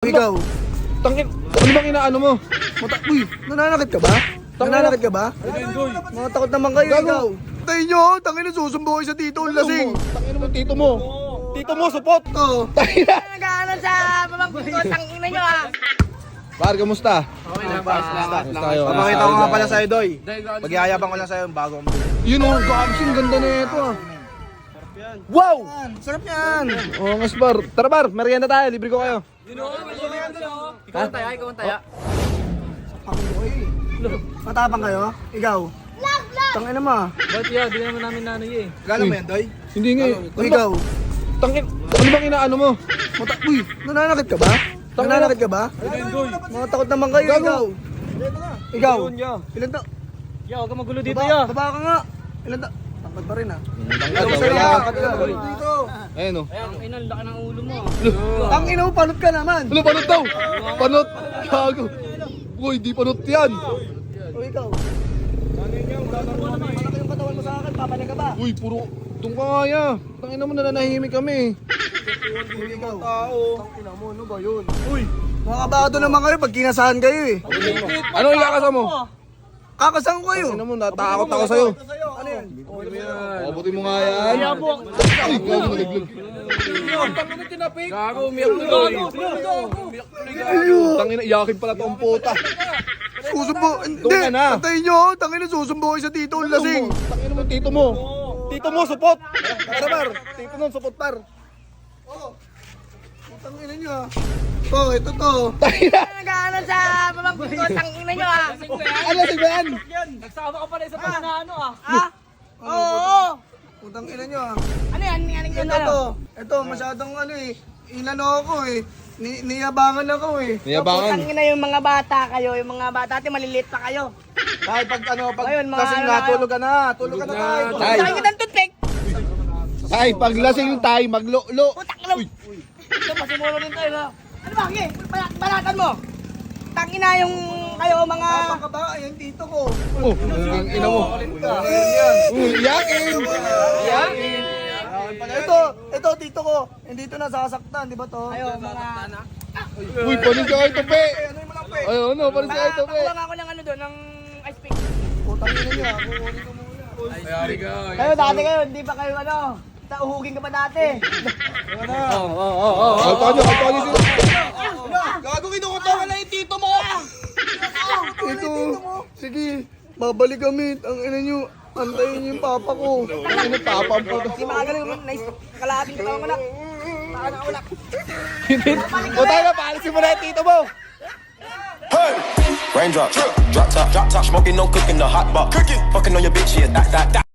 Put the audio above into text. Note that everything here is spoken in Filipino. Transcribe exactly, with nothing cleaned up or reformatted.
Ikaw, Tangin, ano bang inaano mo? mata uy, nananakit ka ba? Nananakit ka ba? Mga takot naman kayo, Gago. ikaw. Tayo nyo, tangin na susumbo kayo sa tito, ang lasing. Tangin mo, tito mo. Tito mo, support. Oo. Tangin na. Nag-ano sa pamangkin ko, tangina nyo ah. Par, kamusta? Okay lang pa. Salamat. Kamusta kayo? Papakita ko nga pala sa'yo, Doy. Dahil gano'n. Magyayabang ko lang sa'yo yung bagong. Yun o, gabsing ganda na ito ah. Wow! Sarap yan! Oo, mas bar. Tara bar, merienda tayo, libre ko kayo. Ikaw ang taya, ikaw ang taya. Matapang kayo? Ikaw? Tangin na mo. Ba't yan? Di naman namin nanay eh. Gano'n mo yan, Doy? Hindi nga eh. O ikaw? Tangin, ano bang inaano mo? Mata uy, nananakit ka ba? Nananakit ka ba? Mga takot naman kayo, Gago. ikaw. Ikaw? ya. Ilan ta? Ya, huwag ka magulo dito Baba, ya. baba ka nga. Ilan ta? Tangkad pa rin ah. Tangkad, Sa'yo, wala. tangkad ka pa rin dito. Ayun o. Ayan, ina, laki ng ulo mo. Ang ina mo, panot ka naman. Ano, panot daw? Panot? Gago. Uy, di panot yan. O ikaw? Malaki yung katawan mo sa akin, papalik ka ba? Uy, puro. Itong kaya. Tangina mo, nananahimik kami. Ikaw? Tangina mo, ano ba yun? Uy! Mga kabado naman kayo pag kinasahan kayo eh. Ano ikakasa mo? Kakasahan ko kayo. Tangina mo, natakot ako sa'yo. Ano yan? Abutin mo nga yan. Ay, gago, nalaglag. Gago, umiyak mo doy. Tangina, iyakin pala tong puta. Susumbo. Hindi. Doon ka na. Antayin nyo. Tangina susumbo kayo sa tito. Ang lasing. Tangina mo, tito mo. Tito mo, support. Tara par. Tito mo, support par. Tangina nyo ah. Oh, ito to. Tangina. Nag-ano sa pamangkin ko, tangina nyo ah. Ano si Ben? Nagsama ka pala sa pagkanaano ah. Ha? Oo. Putang ina nyo ah. Ano yan? Ano yan? Ito Ano? to. Ito masyadong ano eh. Inano ako eh. Ni niyabangan ako eh. Niyabangan. Tangina yung mga bata kayo, yung mga bata natin maliliit pa kayo. Kahit pag ano, pag Ayun, mga kasing ano nga, na- tulog ka na. Tulog ka na tayo. Ay. Tangin kita ng toothpick. Ay, paglasing tayo, maglo-lo. Putang ina. Ito, pasimulo din tayo na. Ano ba? Sige, balat- balatan mo. Tangina yung kayo mga... Tapang ka ba? Ayan tito ko. Oh, ang ina mo. Uy, iyakin. Iyakin. Ito, ito tito ko. Hindi ito nasasaktan, di ba to? Kayo mga... Uy, panin ka kayo tope. Ano yung malaki? Ay, ano, panin ka kayo tope. Pakuha nga ako ng ano doon, ng ice pick. Putang ina nyo ah. Kukunin ko muna. Ayari ka. Kayo dati kayo, hindi pa kayo ano, tauhugin ka pa dati. Oo, oo, oo, oo. Kalpa nyo, kalpa nyo sila. Gago kinukutawan na yung tito mo! Ito, sige, babalik kami. Ang ina nyo, antayin nyo yung papa ko. Ang ina, tapang po. Hindi makagaling, nice, kalahating ka tawang anak. Saan ang ulak? O tayo na, paalisin mo na yung tito mo. Hey! Raindrop, drop top, drop top, smoking, no cooking, the hot box. Cooking, fucking on your bitch, yeah, that, that, that.